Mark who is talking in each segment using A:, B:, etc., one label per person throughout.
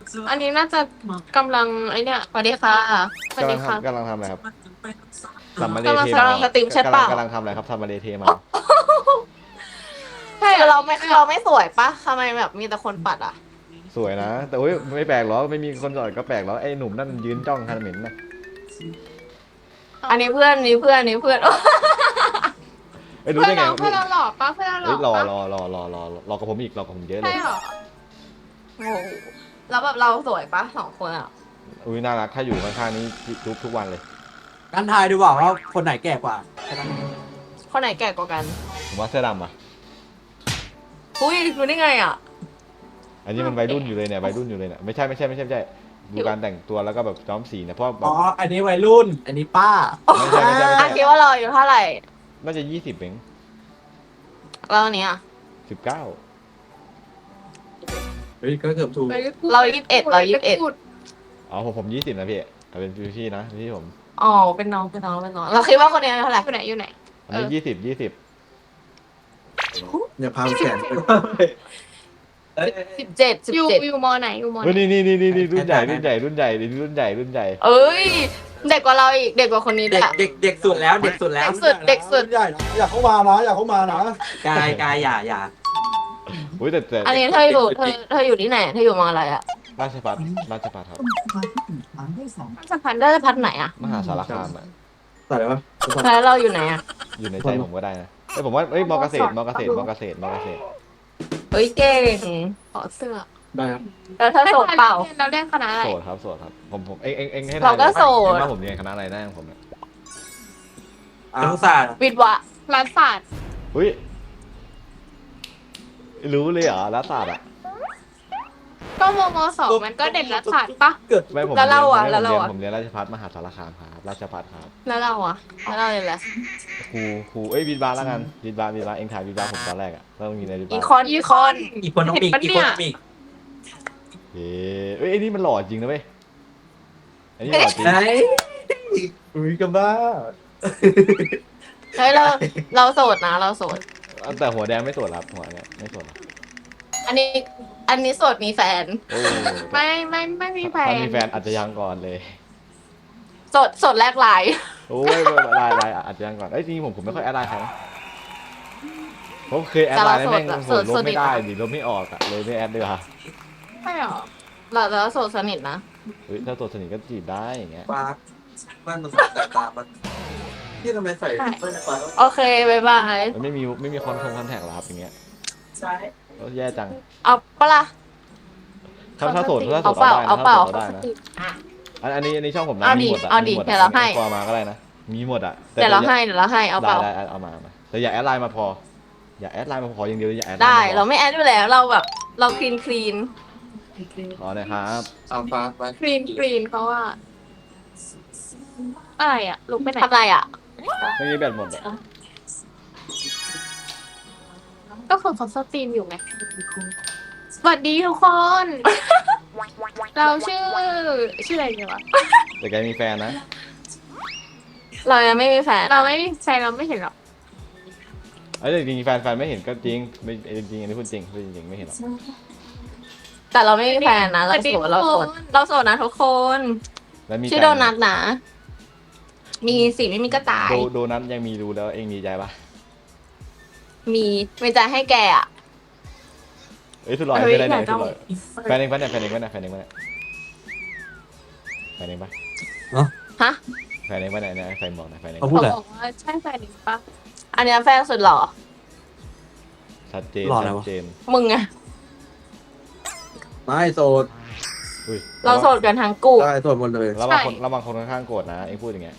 A: อันนี้น่าจะกำลังไอเนี่ยสวัสดีค่ะสวัสดีค่ะ
B: กำลังทำอะไรครับสัมมาเลเท
A: กำลังสตรีมใช่เปล่า
B: กำลังทำอะไรครับสัมมาเลเทมา
A: ใช่เราไม่สวยปะทำไมแบบมีแต่คนปัดอ่ะ
B: สวยนะแต่โอ้ยไม่แปลกหรอกไม่มีคนจอดก็แปลกหรอกไอ้หนุ่มนั่นยืนจ้องคันเหม็นนะ
A: อันนี้เพื่อนนี่เพื่อนนี่เพื่อน
B: ไอ้ยรู้
A: เพื่อน
B: ได้ไง
A: เราเพื่อนเราหล่อปะเพื่อนเราหล่
B: เอ้
A: อย
B: รอ
A: ปะ
B: รอกับผมอีกรอกับผมเยอะเล
A: ใช่
B: ย
A: เหรอโอ้โหแล้วแบบเราสวยปะสองคนอ่ะ
B: อุ้ยน่ารักถ้าอยู่ข้างๆนี้ทุกวันเลย
C: กันทายดูว่าคนไหนแก่กว่า
A: คนไหนแก่กว่ากัน
B: ผมว่าเสื้อดำอ่ะ
A: อุ้ยรู้ได้ไงอ่ะ
B: อันนี้มันวัยรุ่นอยู่เลยเนี่ยวัยรุ่นอยู่เลยเนี่ยไม่ใช่ดูการแต่งตัวแล้วก็แบบย้อมสีนะเพราะแบ
C: อ๋
B: บ
C: อ อันนี้วัยรุ่น อันนี้ป้า
B: ไม่ใช่
A: อ่ะคิดว่าเราอายู่เท่าไหร่
B: น่าจะ20เอง
A: เราเนี้ย
B: 19
C: เฮ้ย ก็เกือบถูก
A: เรา21
B: อ๋อผม20นะพี่เอาเป็นพี่นะพี่ผม
A: อ๋อเป็นน้องเราคิดว่าคนนี้เท่าไหร่อยู่ไหน
B: อันนี้20
C: อย่าพาแขนไป
A: 17
D: อยู่มอไหนอยู่มอไห
B: เฮ้ย
D: น
B: นี่รุ่นใหญ่รุ่นใหญ่รุ่นใหญ่รุ่นใหญ่รุ่นใหญ่
A: เอ้ยเด็กกว่าเราอีกเด็กกว่าคนนี้ด้
C: เด็
A: วย
C: กเด็กเด็กสุดแล้ว เด็กสุดแล้ว
A: เด็กสุด
E: ใหญ่นะอยากเข้ามานะอยากเข้ามานะ
C: กายอย่า
B: อุ้ยแต่
A: อันนี้เธออยู่ที่ไหนเธออยู่มออะไรอ่ะ
B: ราชพัฒครับ
A: จะพันไหนอ่ะ
B: มหาสารคามอ่ะ
C: ใส่อะไรวะ
A: แล้วเราอยู่ไหนอ่ะ
B: อยู่ในใจผมก็ได้นะเอ้ยผมว่าเอ้ยมอเกษตร
A: เฮ้ยเก่ง
D: ขอเสื้อ
C: ได้ครับ
A: แล้วถ้าโสดเปล่า
D: เราเรียนคณะอะไร
B: โสดครับผมเอ็งให้
A: เราก็โสด
B: ว่าผมเรียนคณะอะไรได้ของผมเนี่ย
C: ครุศาสตร์
A: วิทย์วะ
D: รัฐศาสตร์
B: อุ้ยรู้เลยเหรอรัฐศาสตร์อ่ะ
D: ก็มสองมันก็เด่นรัฐศาสตร์ปะ
C: เกิด
B: ไม่ผม
A: แล้วเราอ่ะ
B: เรียน
A: แล้วเราอ่ะ
B: ผมเรียนราชภัฏมหาสารคามครับราชภัฏครับ
A: แล้วเราอ่ะแล้วเราเลยแหละ
B: ครูเอ้ยวิทย์บาร์แล้วกันวิทย์บาร์เอ็งถ่ายวิทย์บาร์ผมตอนแรกอ่ะต้องมีในวิทย์
A: อี
B: บาร์
A: คอน
C: อีโคโนมิก
B: เอ้ยไอ้นี่มันหล่อจริงนะเว้ยไอ้นี่หล่อจริง
C: ไหน
E: อุ้ยกันบ้า
A: เฮ้ยเราโสดนะเราโสด
B: แต่หัวแดงไม่สวยครับหัวเนี่ยไม่สวยครับ
A: อันนี้โสดมีแฟน
B: โอ้
D: ไม่มีแฟ
B: ถ้าน มีแฟนอาจจะยังก่อนเลย
A: โสดแรกไลน์
B: โอ้ยไลน์อาจจะยังก่อนเอ้ยจริงๆผมไม่ค่อยแอดไลน์ใครนะผมเคยแอดไลน์แล้วแม่งผมลบไม่ได้ดิลบไม่ออกอะเลยไม่แอดเลยค่ะ
D: ใช่หรอ
A: เราโสดสนิทนะ
B: เฮ้ยถ้าตัวสนิทก็จีบได้อย่างเงี้ย
C: ปากมันแต่ตามันที่ทำไมใส่ไม่ใส่ปาก
A: โอเคบายบาย
B: มันไม่มีคอนแทคหรอครับอย่างเงี้ย
C: ใช่
B: ก็แย่จัง
A: เอาปะล่ะ
B: ถ้าโสด
A: เอาเปล่า
B: ได้นะอันนี้ช่องผมนะ
A: เอาดิ
B: มีหมดอะ
A: เอาดิ
B: มีหม
A: เดี๋ยวเราให้
B: พอมาก็ได้นะมีหมดอะแต่
A: เดี๋ยวเราให้เอาเปล่า
B: ได้เอามาแต่อย่าแอดไลน์มาพออย่าแอดไลน์มาพออย่างเดียวอย่าแอด
A: ได้
B: ลน์
A: เรา
B: มาพอ
A: ไม่แอดอยู่แล้วเราแบบเราคลีน
B: ขอหน่อยครับ
C: เอาปากไป
D: กรีนเพราะว่าอะไรอะลุกไปไหน
A: ทำไรอ่ะ
B: ไม่มีแบตหมดอะ
D: ก็คือเขาสตรีมอยู่ไงสวัสดีทุกคน เราชื่ออะไรเนี่ยวะ
B: แต่แกมีแฟนนะ
A: เรายังไม่มีแฟน
D: เราไม่มีแฟนเราไม่เห็นหรอก
B: เอ้ยแต่จริงๆแฟนไม่เห็นก็จริงไม่จริงอันนี้พูดจริงไม่เห็นหรอก
A: แต่เราไม่มีแฟนนะเราโสดเราโสดนะทุกคน
B: แล้วมี
A: ชื่อโดนัทนะมีสิไม่มีก็ตาย
B: โดนัทยังมีดูแล้วเองดีใจปะ
A: มีใจให้แกอ่ะ
B: เอ้ยสุดหล่อ
A: เฮ้ย
B: ไม่ได้ไหน
A: อยาก
B: สุ
A: จะ
B: ดหล่อแฟนเองปะเนี่ยแฟนเองปะ
A: ฮะ
B: แฟนเองปะเนี่ยแฟนบอกนะแฟนเอง
C: เขาพูด
D: เขา
C: อะไร
D: บอกว่าใช่แฟนหรือปะ
A: อันเนี้ยแฟนสุดหล่อ
B: ชัดเจน
C: หล่ออะไรวะ
B: ชัดเจน
A: มึงไง
C: ไม่โสด
B: อุ้ย
A: เราโสดกันทั้งกู
C: ได้โสดหมดเลย
B: ระวังคนข้างๆโกรธนะเองพูดอย่างเงี้ย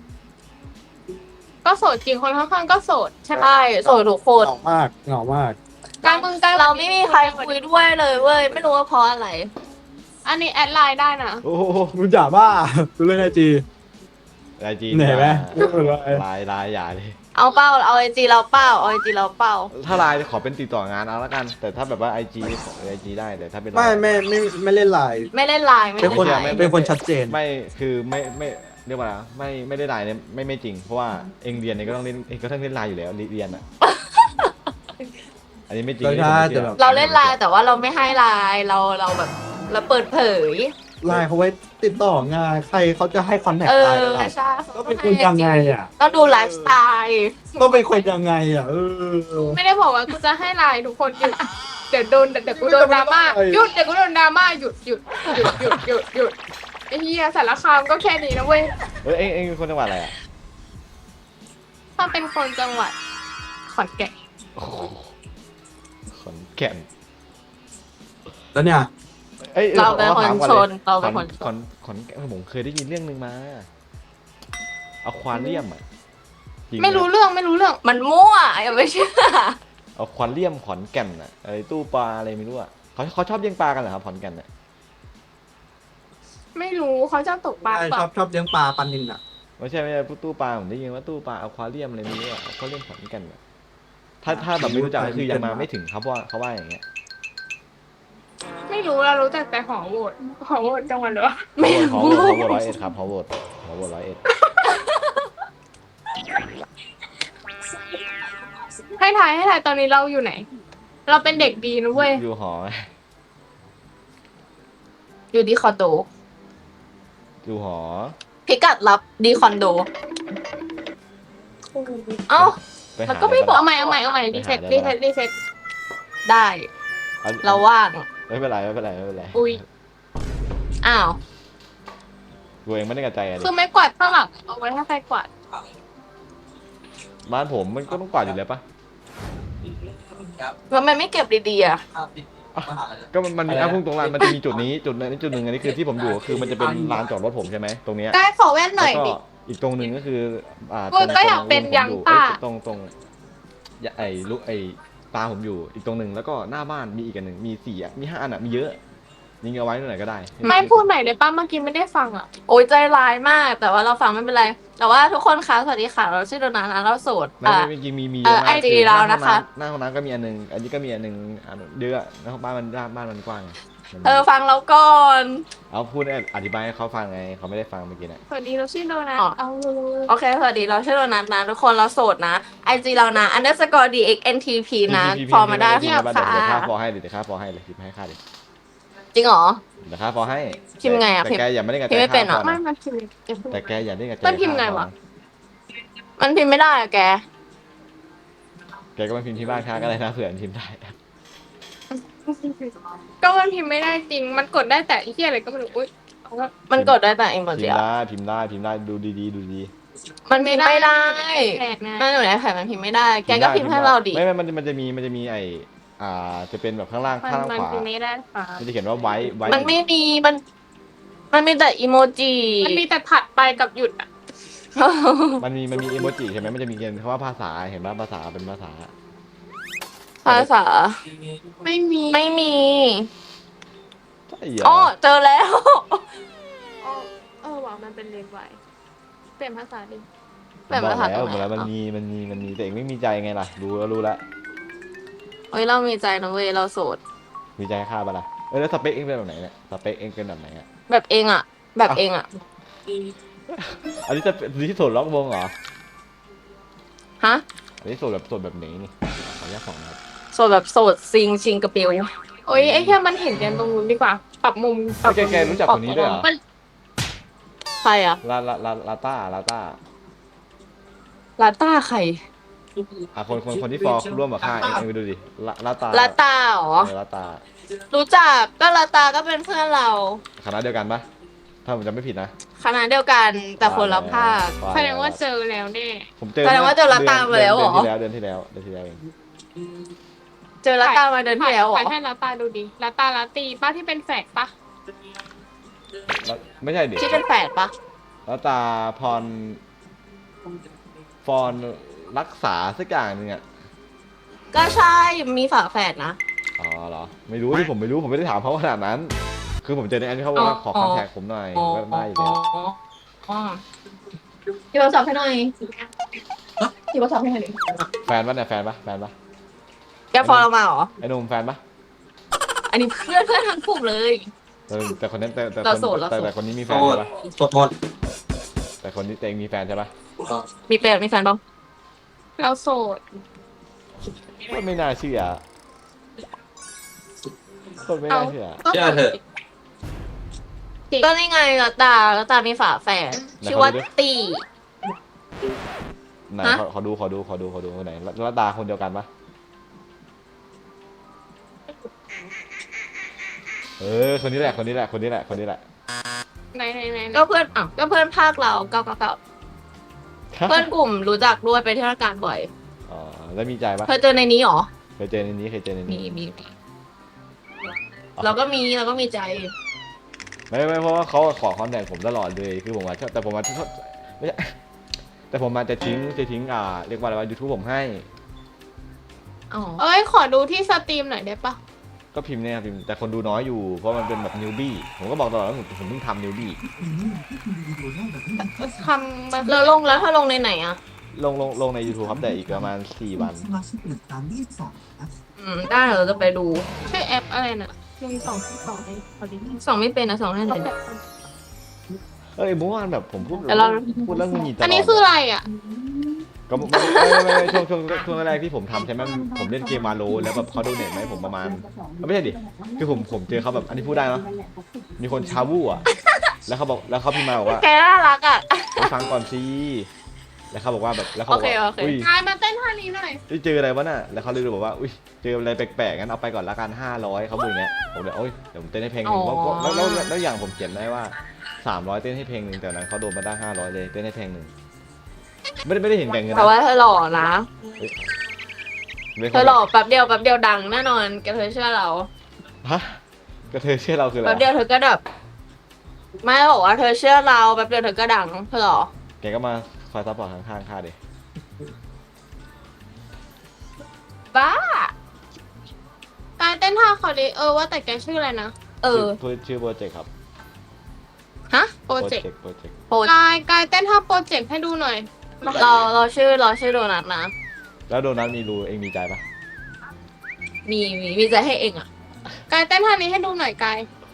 D: ก็โสดจริงคนข้างๆก็โสดใช่ปะ
A: ใช่โสดทุกคน
E: เหงามาก
D: การมึงการ
A: เราไม่มีใครคุยด้วยเลยเว้ยไม่รู้ว่าเพราะอะไร
D: อันนี้แอดไลน์ได้นะ
B: โอ้โห
E: มึงจ๋าบ้าดูเล่นไอจี
B: ไอจี
E: เหนื่อยไหม
B: ไลน์อย่าเลย
A: เอาเป้าเอาไอจีเราเป้าเอาไอจีเราเป้า
B: ถ้าไลน์ขอเป็นติดต่องานเอาละกัน แต่ถ้าแบบว่าไอจีขอไอจีได้แต่ถ้าเป็น
E: ไม่เล่นไลน์
A: ไม่เล่นไลน์ไม่
C: เป็น
A: เล่
C: คน
A: นไลน์
C: เป็นคนชัดเจน
B: ไม่คือไม่เรียกว่าอะไรไม่ได้ไลน์เนี่ยไม่จริงเพราะว่าเองเรียนเองก็ต้องเล่นเองก็ต้องเล่นไลน์อยู่แล้วเรียนอ่ะ อันนี้ไม่จริง
C: ก็ใช่แต่แบบ
A: เราเล่นไลน์แต่ว่าเราไม่ให้ไลน์เราแบบแล้วเปิดเผย
E: ไลน์เขาไว้ติดต่องานใครเขาจะให้คอนแทค
A: เอ
E: ไล
A: อ
E: น์อะไร
A: ใช่
E: ก็เป็นคนยังไงอ่ะ
A: ต้องดูไลฟ์สไตล์
E: ก็เป็นคนยังไงอ่ะ
D: ไม่ได้บอกว่ากูจะให้ไลน์ทุกคนหยุดเดี๋ยวกูโดนดราม่าหยุดเดี๋ยวกูโดนดราม่าหยุดไอ้เหี้ยสารคามก็แค่นี้นะเว้ย
B: เอ็งเป็นคนจังหวัดอะไรอ่ะ
D: ถ้าเป็นคนจังหวัดขอนแก่น
B: โอ้โหขอนแก่น
E: แล้วเนี่ย
B: อ้ย
A: เราเป็นคน
B: ถมก่อ
A: ช
B: ลย
A: นเราเป็นคนชน
B: ขอนแก่นผมเคยได้ยินเรื่องนึงมาอควาเรียมอ่ะจงห
D: ไม่รู้เรื่อง
A: มันมั่วอย่าไปเชื่อ
B: อควาเรียมขอนแก่นอ่ะไอ้ตู้ปลาอะไรไม่รู้อ่ะเขาชอบเลี้ยงปลากันเหรอครับขอนแก่นอ่ะ
D: ไม่รู้เขาชอบตกปลา
E: ใช่
D: เป
E: ช
D: ล่า
E: อบเลี้ยงปลาปันนินอ่ะ
B: ไม่ใช่ตู้ปลาผมได้ยินว่าตู้ปลาอควาเรียมอะไรไม่รู้อ่ะเขาเรียกขอนแก่นอะถ้าแบบไม่รู้จักก็คือยังมาไม่ถึงครับเพราะว่าเขาว่าอย่างเงี้ย
D: ไม่รู้เรารู้จักแต่หอโหวตจังหวัดเหรอ
B: ฮอโหวต101ครับฮอโหวต101
D: ให้ถ่ายตอนนี้เราอยู่ไหน เราเป็นเด็กดีนะเว้ย
B: อยู่หอ
A: อยู่ดีคอนโด
B: อยู่หอ
A: พิกัดรับดีคอนโด เอ้า
B: ไป
A: มัน
B: หา
A: ก็ไม่บอก
D: เอาใหม่รีเซ็ต
A: ได้ เราว่าง
B: ไม่เป็นไรไม่เป็นไร
D: อุ้ย
A: อ้าว
B: กูเองไม่ได้กระจายอะไร
D: คือไม้กวาดข้างหลังเอาไว้ให้ใครกวาด
B: บ้านผมมันก็ต้องกวาดอยู่แล้วปะ
C: ครับ
A: ทำไมไม่เก็บดีๆอ่ะ
C: ภาพติดมหาลัย
B: ก็มันมีพุ่งตรงลานมันจะมีจุดนี้จุดนั้นจุดหนึ่งอันนี้คือที่ผมอยู่คือมันจะเป็นลานจอดรถผมใช่ไหมตรงเนี้ย
D: ได้ขอแว่นหน่
B: แล้
D: อยว
B: ก็
D: ดิ
B: อีกตรงหนึ่งก็คือ
D: กู
B: ตรง
D: ก็อยากเป็น
B: ผม
D: ยัง
B: อยู่
D: ต้า
B: ตรงไอ้ลูกไอ้ตาผมอยู่อีกตรงหนึ่งแล้วก็หน้าบ้านมีอีกอันหนึ่งมี4อ่ะมี5อันอ่ะมีเยอะยิงเอาไว้ตรงไหนก็ได้
D: ไม่พูดใหม่เลยป้าเมื่อกี้ไม่ได้ฟังอ่ะ
A: โอ้ยใจร้ายมาก แต่ว่าเราฟังไม่เป็นไร แต่ว่าทุกคนคะสวัสดีค่ะ เราชื่อโดนัทนะเราโสด
B: ไม่จริงมี
A: เอ
B: เย
A: อ
B: อะมาก
A: IG เรานะคะ
B: หน้าห้องน้ำก็มีอันหนึงอันนี้ก็มีอันหนึงเยอะแล้วบ้านมันกว้าง
A: ฟังเราก่อน
B: เอาพูดอธิบายให้เขาฟังไงเขาไม่ได้ฟังเมื่อกี้น่ะ
D: สวัสดีเราชื่อโดนัท
A: อ๋อ
D: เอาเลย
A: โอเค สวัสดี เราชื่อโดนัทนะ ทุกคนเราโสดนะ IG เรานะ _dxntp นะ ฟอร์มาได้
B: พี่
A: เพียบ
B: เดี๋
A: ค่ะ
B: ยวค่าฟอให้เลยเดี๋ยวค่าฟอให้เลยพิมพ์ให้ค่าเลย
A: จริงเหรอ
B: เดี๋ยวค่าฟอให้
A: พิมพ์ไงอะ
B: แต่แกอย่าไม่ได้กระ
A: พิมพ์ไม่เป็นเหรอ
D: ไม่มาพิมพ์อย่าเพิ่ง
B: แต่แกอย่าได้กระจาย
D: มันพิมพ์ไงวะ
A: มันพิมพ์ไม่ได้อะแก
B: แกก็มาพิมพ์ที่บ้านค่าก็ได้นะเผื่อพิมพ์ได้
D: ก็มันพิมพ์ไม่ได้จริง มันกดได้แต่ไอ้เหี้ยอะไรก็ไม่รู้อุ้ยเอาละ
A: มันกดได้แต่อิโม
B: พิ
A: จิ
B: มพ์
A: อะ
B: ได้พิมพ์ได้ดูดี
A: มันพิมพ์ไม่ได้
D: แปลกนะ
A: มันอยู่ในแผ่นมันพิมพ์ไม่ได้ แกก็พิมพ์ให้เราดิ
B: ไม่มันจะมีไอจะเป็นแบบข้างล่าง
D: มัน
B: ข้าง
D: มัน
B: ขวา
D: พิมพ์ไม่ได้ค่ะ
B: มันจะเขียนว่าไว้
A: มันไม่มี มันมีแต่อิโมจิ
D: มันมีแต่ถัดไปกับหยุดอ่ะ
B: มันมีอีโมจิใช่ไหมมันจะมีเขียนคำว่าภาษาเห็นป่ะภาษาเป็นภาษา
A: ภาษา
D: ไม่มี
A: ไม่มี
B: ใช่เหร
A: อ๋อ
B: อ
A: เจอแล้ว
D: ว่ะมันเป็นเลนส์ไวเปลี่ยนภาษาดิ
A: แบบภาษาตรงไหน
B: บอกแล้วมันมีแต่เองไม่มีใจไงล่ะรู้แล้ว
A: เฮ้ย เรามีใจนะเว้ย เราโสด
B: มีใจค่าปะล่ะแล้วสเปคเองเป็นแบบไหนเนี่ยสเปคเองเป็นแบบไหนอ่ะ
A: แบบเองอะแบบเองอะ
B: อันนี้จะที่โสดล็อกวงเหรอ
A: ฮะ
B: อันนี้โสดแบบไหนนี่ขออนุญาตสองนะครับ
A: โสดแบบโสดซิงชิงกระเปียว
D: โอ้ยไอ้แค่มันเห็นกันตรงนู้นดีกว่า ปรับมุมปรับ
B: แกรู้จักคนนี้ด้วยเหรอ
D: มัน
A: ใครอะ
B: ลาต้า
A: ลาต้าใคร
B: คนที่ฟอร์ร่วมกับข้าเองไปดูดิลาต้า
A: ลาต้าเหรอ
B: ลาต้า
A: รู้จักก็ลาต้าก็เป็นเพื่อนเรา
B: คณะเดียวกันปะถ้าผมจำไม่ผิดนะ
A: คณะเดียวกันแต่คนละภาค
D: แสดงว่าเจอแล้วแน่
B: ผมเจอ
A: แสดงว่าเจอลาต้ามาแล้วเหรอ
B: เดือนที่แล้วเอง
A: เจอลาต้ามาเดือนที่แล้วเหร
D: ถ่า
A: อย
D: ให้ลาตาดูดิลาตาลาตีป้าที่เป็นแฝดปะ
B: ไม่ใช่ดิ
A: ที่เป็นแฝดปะ
B: ลาตาพรฟอนรักษาสักอย่างหนึงอ่ะ
A: ก็ใช่มีฝาแฝดนะ
B: อ๋อเหรอไม่รู้ที่ผมไม่รู้ผมไม่ได้ถามเขาขนาดนั้น คือผมเจอในอันที่เขาบอกว่าขอคอนแทคผมหน่อยก็ได้อยู่แล้ว
A: พี่โทรศัพท์ให้หน่อยพี่โทรศัพท์ให้หน่อยดิ
B: แฟนปะเนี่ยแฟนปะ
A: แกฟอลเรามาเหรอ
B: ไอ้หนุ่มแฟนปะ
A: อันนี้เพื่อนทั้งกลุ่มเลย
B: แต่คนนั้นแต่
A: เราโสดเราโสด
B: แต่คนนี้มีแฟ
C: โส
B: น
C: ด
B: ใช่ปะ
C: โสดหมด
B: แต่คนนี้เองมีแฟนใช่ปะ
A: มีแฟนบ้าง
D: เราโสด
B: ก็ไม่น่าเชื่อคนไม่น่าเชื่อ
C: เชื่อเถอะ
A: ก็นี่ไงแล้วตามีฝาแฝดชื่อว่าตี
B: ไหน
A: ฮะ
B: ขอดูไหนแล้วดาคนเดียวกันปะคนนี้แหละ
D: ไหน
A: ก็เพื่อนก็เพื่อนภาคเราเก้าเพื่อนกลุ่มรู้จักด้วยไปเที่ยวกันบ่อย
B: อ๋อแล้วมีใจปะ
A: เคยเจอในนี้หรอ
B: เคยเจอในนี้
A: มีเราก็มีใจ
B: ไม่เพราะว่าเขาขอคอนแทคผมตลอดเลยคือผมว่าชอบแต่ผมมาชอบไม่ใช่แต่ผมมาจะทิ้งเรียกว่าอะไรว่า YouTube ผมให้
A: อ๋อ
D: เอ้ยขอดูที่สตรีมหน่อยได้ปะ
B: ก็พิมพ์เนี่ยพิมพ์แต่คนดูน้อยอยู่เพราะมันเป็นแบบนิวบี้ผมก็บอกตลอดว่าผมเพิ่งทำนิวบี้
D: ทำมา
A: แล้วแล้วถ้าลงในไหนอ่ะ
B: ลงใน YouTube ครับแต่อีกประมาณ4 วัน
A: ได้เราจะไปดู
D: ชื่อแอปอะไรน่ะ1 2 2เองพอดี
A: ส่องไม่เป็นนะส่องให้หน่อย
B: เมื่อวานแบบผมพูด
A: แต่เรา
B: แล้วมึงหนีตลอด
D: อันนี้คืออะไรอ่ะ
B: ก็ไม่ช่วงแรกที่ผมทำใช่ไหมผมเล่นเกมมาโลแล้วแบบเขาโดเนทมาให้ผมประมาณไม่ใช่ดิคือผมเจอเขาแบบอันนี้พูดได้เนาะมีคนชาวู่อ่ะแล้วเขาพิมพ์มาบอกว่า
A: แกน่ารักอ่ะ
B: ไปฟังก่อนสิแล้วเขาบอกว่าแบบแล้วเขาบอกว่า
A: โอเค
B: อุ้ย
D: กายมาเต้นท่านี้หน่อย
B: เจออะไรวะน่ะแล้วเขาเลยบอกว่าอุ้ยเจออะไรแปลกๆงั้นเอาไปก่อนละกัน500เขาบอกอย่างเงี้ยผมเลยโอ้ยเดี๋ยวผมเต้นให้เพลงหนึ่งแล้วอย่างผมเขียนได้ว่า300เต้นให้เพลงหนึ่งแต่นั้นเขาโดนมาได้500เลยเต้นให้เพลงหนึ่งไม่ได้เห็นแบ่งเงิน
A: แต่
B: นะ
A: ว่าเธอหล่อนะ
B: ไม่
A: เธอหล่อแป๊บเดียวดังแน่นอนแกเธอเชื่อเรา
B: ฮะก็เธอเชื่อเราคืออะไร
A: แป๊บเดียวเธอก็แบบไม่บอกว่าเธอเชื่อเราแป๊บเดียวเธอก็ดังเธอหรอ
B: แกก็มาคอยซัพพอร์ตข้างๆข้าดิ
A: บ้าก
D: ายเต้นท่าเขาดิว่าแต่แกชื่ออะไรนะ
B: ชื่อโปรเจกต์ครับ
A: ฮะ
D: โปรเจกต์
B: โปรเจกต์
A: โปร
D: กายเต้นท่าโปรเจกต์ให้ดูหน่อย
A: เราชื่อโดนัทนะ
B: แล้วโดนัทมีรูเองมีใจปะ
A: มีใจให้เองอ่ะ
D: กายเต้นท่านี้ให้ดูหน่อยกาย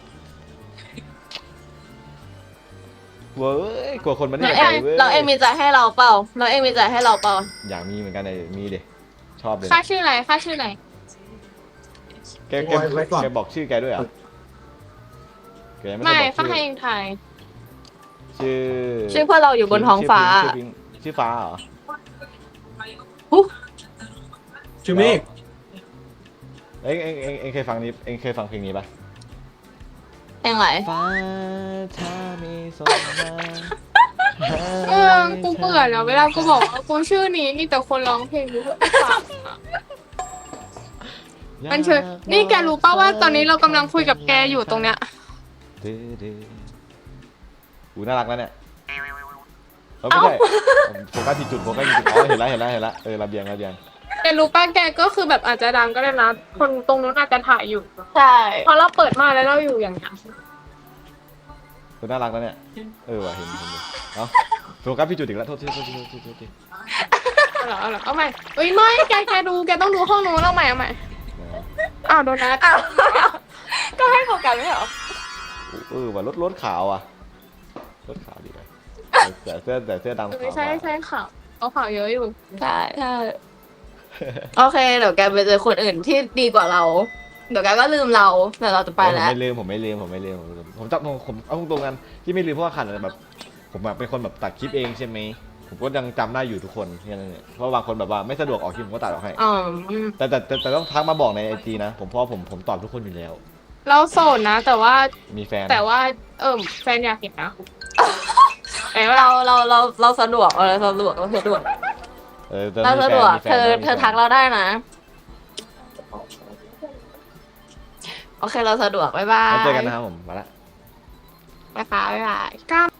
B: เว้ยกลัวคนมันไม่
A: เรา
B: เห็น
A: เอง
B: ใจเว้ย
A: เราเองมีใจให้เราเปล่าเราเองมีใจให้เราเปล่า
B: อยากมีเหมือนกันเลยมีดิชอบเลย
D: ค่าชื่ออะไร
B: แกบอกชื่อแกด้วยเหรอแกยัง
D: ไม่
B: ได้บอก
D: ค่าให้เองถ่าย
B: ชื่อ
A: เพื่อนเราอยู่บนท้องฟ้า
B: ชื่อฟ้าเหรอ
E: ชื่อเมฆ
B: เอ็งเคยฟังเพลงนี้ปะ
A: เพลงอะไร
B: ฟ้าถ้ามีสมมา
D: กูเบื่อแล้วเวลากูบอกว่ากูชื่อนี้มีแต่คนร้องเพลงกูก็ฟังอะมันเชิญนี่แกรู้ป่าว่าตอนนี้เรากำลังคุยกับแกอยู่ตรงเนี้ย
B: อูน่ารักแล้วเนี่ยไม่ใช่โฟกัสที่จุดอ๋อเห็นแล้วระเบียง
D: แกรู้ป่ะแกก็คือแบบอาจจะดังก็ได้นะคนตรงนู้นอาจจะถ่ายอยู่
A: ใช่
D: เพราะเราเปิดมาแล้วเราอยู่อย่างเงี้ย
B: คุณน่ารักแล้วเนี่ยว่ะเห็นเนาะโฟกัสพี่จุดอีกแล้วโทษที
D: เอาเหรอเอาใหม่เอ้ยไม่แกดูแกต้องดูห้องนู้นเอาใหม่อ้าวโดนัท
A: ก็ให้โฟกัสไม่เหรอ
B: ว่ะรถขาวอ่ะรถขาวดีเลยแต่เสื้อดำขาว
D: ไม่ใช่ข่าวเอาข่าวเยอะอยู่
A: ใช่โอเคเดี๋ยวแกไปเจอคนอื่นที่ดีกว่าเรา เดี๋ยวแกก็ลืมเราเดี๋ยวเราจะไปแล้ว
B: ผมไม่ลืมผมจับผมเอาตรงๆกันที่ไม่ลืมเพราะว่าขันแบบผมเป็นคนแบบตัดคลิปเองใช่ไหมผมก็ยังจำได้อยู่ทุกคนแค่นั้นเนี่ยเพราะบางคนแบบว่าไม่สะดวกออกคลิปผมก็ตัดออกให้
A: อ๋อ
B: แต่ต้องทักมาบอกในไอจีนะผมเพราะผมตอบทุกคนอยู่แล้ว
D: เราโสดนะ แต่ว่า
B: มีแฟน
D: แฟนอยากเห็นนะ
A: เราสะดวกเราสะดวก
B: ตอน
A: เรา
B: มี
A: สะ
B: แฟ
A: ด
B: น
A: วก
B: มีแฟน
A: เธอทักเราได้นะ โอเคเราสะดวกบ๊ายบาย
B: แล้วเจอกันนะครับผมมาละ
A: บ๊ายบาย
D: กล้าม